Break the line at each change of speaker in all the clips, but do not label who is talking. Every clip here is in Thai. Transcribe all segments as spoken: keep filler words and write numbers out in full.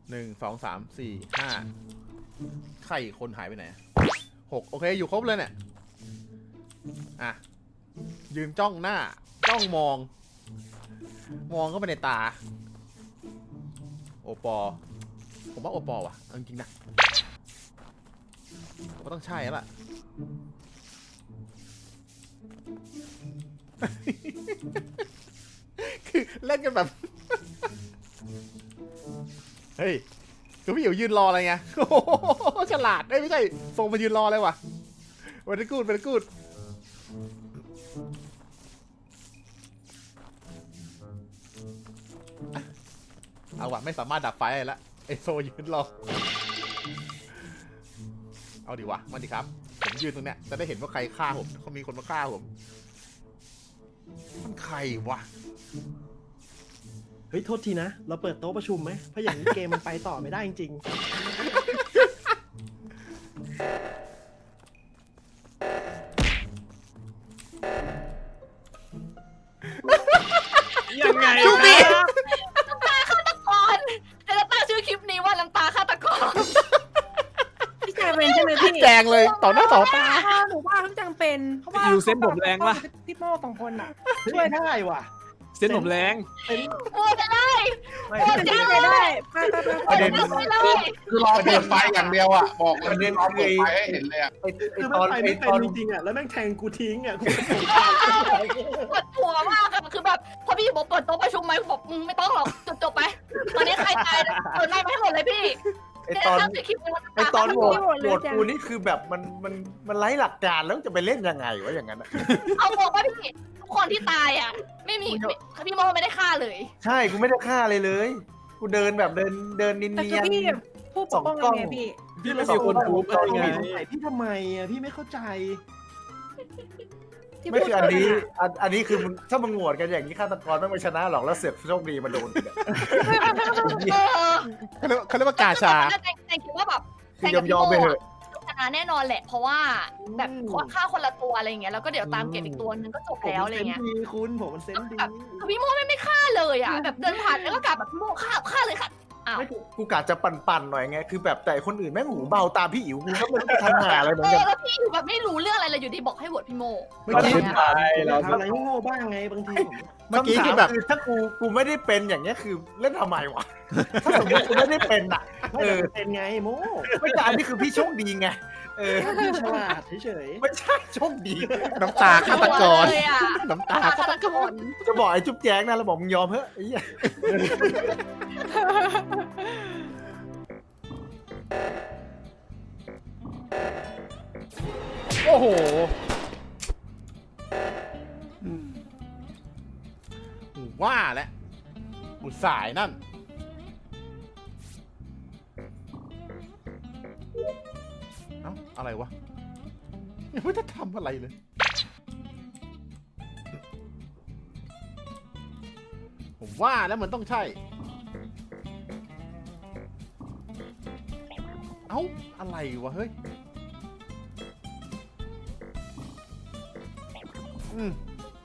หนึ่งสองสามสี่ห้าไข่คนหายไปไหนหกโอเคอยู่ครบเลยเนี่ยอ่ะยืนจ้องหน้าจ้องมองมองเข้าไปในตาโอปอผมว่าโอปอว่ะจริงๆนะก็ต้องใช่แล้วล่ะคือเล่นกันแบบเฮ้ยคือพี่อยู่ยืนรออะไรเงี้ยโอ้โหฉลาดไม่ใช่ส่งมายืนรอเลยว่ะวันนี้กูดวันนี้กูดเอาวะไม่สามารถดับไฟได้ละไอโซยืนรอเอาดิวะมาดิครับผมยืนตรงเนี้ยจะได้เห็นว่าใครฆ่าผมเขามีคนมาฆ่าผมมันใครวะ
เฮ้ยโทษทีนะเราเปิดโต๊ะประชุมไหมเพราะอย่างนี้เกมมันไปต่อไม่ได้จริง
ยังไง
จุ๊บดิ
น้ำตาฆาตกรจะตั้งชื่อคลิปนี้ว่าน้ำตาฆาตกร
พี่แจงเป็นใช่ไหมพี่
แจงเลยต่อหน้าต่อตา
หนูว่าพี่แจงเป็นเพราะว่า
อยู่เส้นผมแรงปะ
พี่โม่สองคนอ่ะ
ช่วยได้ว่ะ
เส้นผมแรง
เป็น
โอ้จะได้
ไม่
โอ้จะได้
ได้ไปไปไป
โอ้จะได้เลย
คือรอเปิดไฟอย่างเดียวอ่ะบอกเลยรอเปิดไฟให้เห็นเลยอ่ะ
ไอ้คือมันไปไม่เป็นจริงๆอ่ะแล้วแม่งแทงกูทิ้งอ่ะกู
ปวดหัวมากอะคือแบบพอพี่บอกเปิดโต๊ะประชุมไหมบอกมึงไม่ต้องหรอกจบจบไปตอนนี้ใครตายเปิดไล่ไปให้หมดเลยพี่
ไอตอน
จะตั้งชื่อคลิปนี้ว่า
ไอ
น้ำ
ต
ตา
อน
ฆาต
โห
ก
ว
ร
ตโหวตกูนี่คือแบบมันมันมันไร้หลักการแล้วจะไปเล่นยังไงวะอย่างนั้น
เอาบอกว่าพี่ทุกคนที่ตายอะไม่มีพี่โมไม่ได้ฆ่าเลย
ใช่กูไม่ได้ฆ่าเลยเลย กูเดินแบบเดินเดินเนี
แต่คือย
น
พี่ผู้ปกป้องยังไงพี่
พี่ไม่มีคนทุบอะไรไง
ใส่พี่ทำไมอ่ะพี่ไม่เข้าใจ
ๆไม่คืออันนี้อันอันนี้คือมึงถ้ามึงโหวตกันอย่างนี้ฆาตกรไม่มาชนะหรอกแล้วเสือกโชคดีมาโดน
เออ
เขาเรียกเขาเรียกว่ากาชา
แต่แต่คิดว่าแบบ
คือยอมยอมไปเถอะ
ชนะแน่นอนแหละ เพราะว่าแบบฆ่าคนละตัวอะไรอย่างเงี้ยแล้วก็เดี๋ยวตามเก็บอีกตัวนึงก็จบแล้วอะไรเงี้ย
ผมมันเซนส์ดีคุณผมมันเซนส์ดี
แต่พี่โมไม่ไม่ฆ่าเลยอ่ะแบบเดินผ่านแล้วก็กลับแบบพี่โมฆ่าฆ่าเลยค่ะอ้าว
ไม่กูกูกะจะปั่นๆหน่อยไงคือแบบแต่คนอื่นแม่งหูเบาตามพี่อิ๋วกูก็ไม่รู้จะทำหาอะไรเหมือ
เอน
กั
อน แล้วพี่อยู่แบบไม่รู้เรื่องอะไรเลยอยู่ดีบอกให้โหวตพี่โม
เมื่อกี้
เราทำอะไรโง่บ้างไงบางทีผม
เมื่อกี้คือแบบ
คำถามคือถ้ากูกูไม่ได้เป็นอย่างเงี้ยคือเล่นทำไมวะถ้าสมมติกูไม่ได้เป็นอ่ะ
ไม่
เอ
แต่
อ
เป็นไงโม่
ไม่ใช่อันนี้คือพี่โชคดีไงเออ
พี่ฉลาดเฉย
ไม่ใช่โชคดี
น้ำตาฆาตกร
เลยอ่ะ
น้ำตาฆาตกร
จะบอกไอ้จุ๊บแจ๊งนะเราบอกมึงยอมเถอะไอ้เหี้ย
โอ้โหว่าแล้วอุตสายนั่นเอ้าอะไรวะยังไม่ได้ทำอะไรเลย ผมว่าแล้วมันต้องใช่ เอ้าอะไรวะเฮ้ยอืม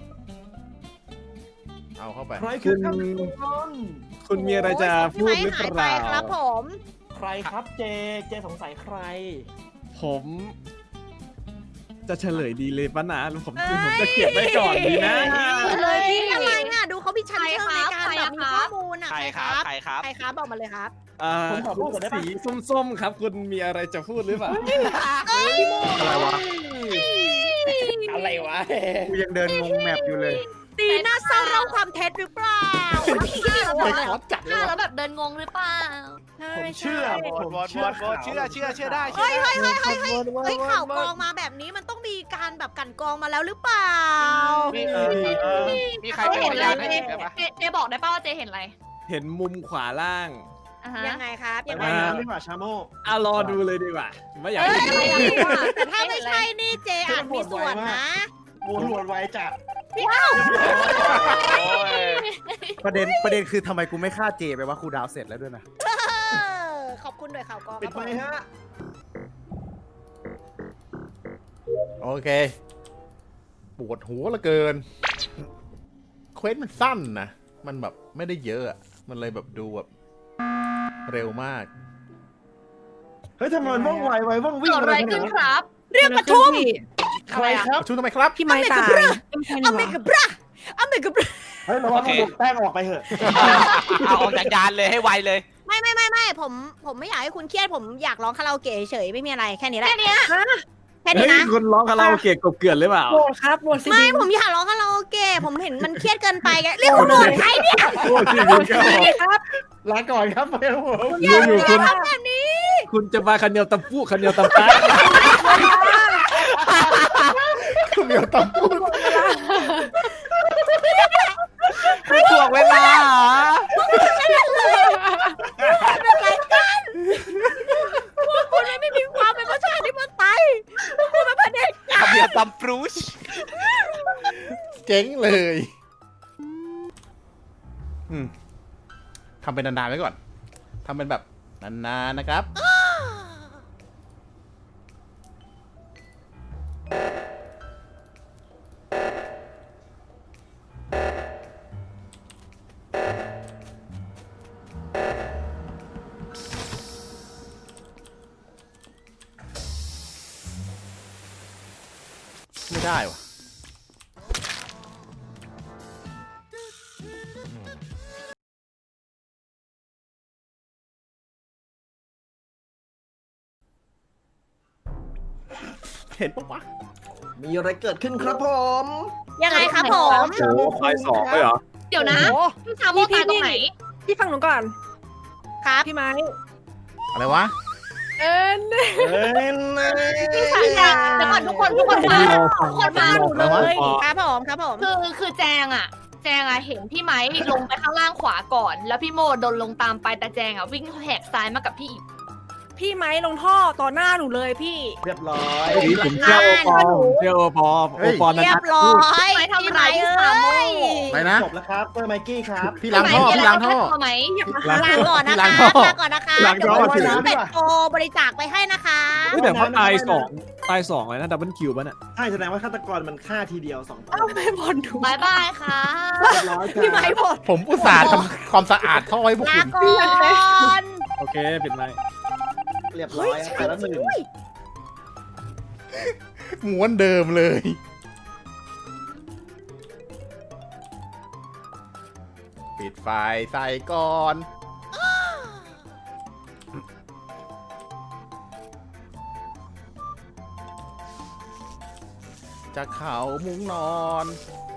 เอาเข้าไป
ๆใครคือฆาตกร
คุณมีอะไรจะพูดหรือเปล่า
ครับผม
ใครครับเจเจสงสัยใคร
ผมจะเฉลยดีเลยปะนะผมผมจะเขียนไว้ก่อนดีนะ
เลยพี่อะไรอ่ะดูเขาพี่ชั้นเชิงในการแบบมีข้อมูลอ่ะ
ใครครับ ใครครับ
ใครครับบอกมาเลยครับ
อ่า
ผมขอพูดก่อนได้ปะ
สีส้มๆครับ คุณมีอะไรจะพูดหรือเปล่า
อะไรวะ
อะไรวะ
กูยังเดินงงแมปอยู่เลย
ตีน่าเศร้าเล่าความเท็จหรือเปล่า
ไปขอจัดเลย
ฆ่า
ว่ะ
แล้วแบบเดินงงหรือเปล่า
ผมเชื่อ
โหวต
ผม
โหวต
เชื่อ
โหวตเชื่อเชื่อเชื่อได้เชื่
เฮ้
อย ได้
เฮ้ยเฮ้ยเฮ้ยเฮ้ยข่าวกรองมาแบบนี้มันต้องมีการแบบกันกรองมาแล้วหรือเปล่า
มีเออมีใครเป็นพยานให้เห็นไหมวะ
เจเจบอกได้ป่าว่าเจเห็นอะไร
เห็นมุมขวาล่าง
อ่าฮะ
ยังไงครับ
ไป
ยังไง
ว่ายน้ำดีกว่าชาโม
อ่ะรอดูเลยดีกว่าไม่อยาก
เอ้ย
ให้
อะไรอะ
แต่ถ้าไม่ใช่นี่เจอาจมีส่วนนะ
โวนหวนไว้จัด
โอ้ย
ประเด็นประเด็นคือทำไมกูไม่ฆ่าเจไปว่าครูดาวเสร็จแล้วด้วยนะ
เออขอบคุณด้วยข่าวกรอง
ปิดไฟฮะ
โอเค ปวดหัวเหลือเกิน เควสมันสั้นนะ มันแบบไม่ได้เยอะอะมันเลยแบบดูแบบเร็วมาก
เฮ้ยทำไมมันว่องไวไวว่องวิ่ง
เกิดอะไรขึ้นครับ
เรียกประชุม
ใครครับ
ชุดทำไมครับ
พี่ไม้ตาย
อเมริกาบราอเมริกาบรา
เฮ้ยระวังมันหลุดแป้งออกไปเถอะ
เอาออกจากยานเลยให้ไวเลย
ไม่ไม่ไม่ไม่ผมผมไม่อยากให้คุณเครียดผมอยากร้องคาราโอเกะเฉยๆไม่มีอะไรแค่นี้แหละ
แค่เนี้ย
แค่
เฮ้
นี้
ย
นะ
คุณร้องคาราโอเกะกบเกลื่อนหรือเปล่า
โหวตครับโหวตสิ
ไม่ผมอยากร้องคาราโอเกะผมเห็นมันเครียดเกินไปไงเรียกคุณโดนใครเนี่ย
โอ้ชีวิตก็
ครับ
ลาก่อนครับไปครับผม
อยู่อยู่คุณ
ทำแบบนี้
คุณจะมาคันเดียวตำปูคันเดียวตำตา
คุณเดียวตำพูด
ไม่ถ่วงเวลาเหรอ
เป็นไรกันพวกคุณไม่มีความเป็นประชาธิปไตยพวกคุณเป็นประเด็จการ
ทำเบียร์ตำปรูช
เจ๊งเลยอืมทำเป็นนานๆไว้ก่อนทำเป็นแบบนานๆนะครับ ไม่ได้วะเห็นปะวะ
มีอะไรเกิดขึ้นครับผม
ยังไงครับผม
โอ้ไฟสองเลยเหรอ
เดี๋ยวนะ
โอ้
พี่ชาโมตายตรงไหน
พี่ฟังหนูก่อน
ครับ
พี่ไม้
อะไรวะ
เอ็น
เอ้ยนะ
พี่ชายอยากเดี๋ยวก่อนทุกคนทุกคนมาทุกคนมาหนูเลย
ครับผมครับผม
คือคือแจงอะแจงอะเห็นพี่ไม้ลงไปข้างล่างขวาก่อน แล้วพี่โมโดนลงตามไปแต่แจงอะวิ่งแหกซ้ายมากับพี่อีก
พี่ไม้ลงท่อต่อหน้าหนูเลยพี่
เรียบร้อย
เฮ้ยผมเชื่อโอปอผมเชื่อโอปอโอปอนัน
เรีย
ทั
บ
ศ
ร้อ
พูด
ย
ไม่ทำร้าย
พี่
พี่
ไม้
สามโม
เอ้ย
ไปนะ
จบแล้วครับเปอร์ไมกี้ครับ
พี่ล้างท่อ พี่ล้างท่อ
ไหม
ลาก่อนนะ
ล้า
คะ
งท่อ
ลาก่อนนะคะ
ล้างท่
เดี๋ยว
อ
ผมซื้อเป็ดโตบริจาคไปให้นะคะ
เฮ้ยแต่เขาตายสองตายสองเลยนะดับเบิลคิวป่ะเนี่ย
ใช่แสดงว่าฆาตกรมันฆ่าทีเดียวสองตัว
เอ้าไม่บอลดู
บายบายค่ะ
เรียบร้อยครับ
พี่ไม้หมด
ผมอุตส่าห์ทำความสะอาดท่อให้พวก
ลา
คุณ
ก่อน
โอเคปิดไมค์
เรียบร้อยไปแล้วหนึ่ง
ม้วนเดิมเลย ปิดไฟใส่ก่อน จะเข่ามุ้งนอน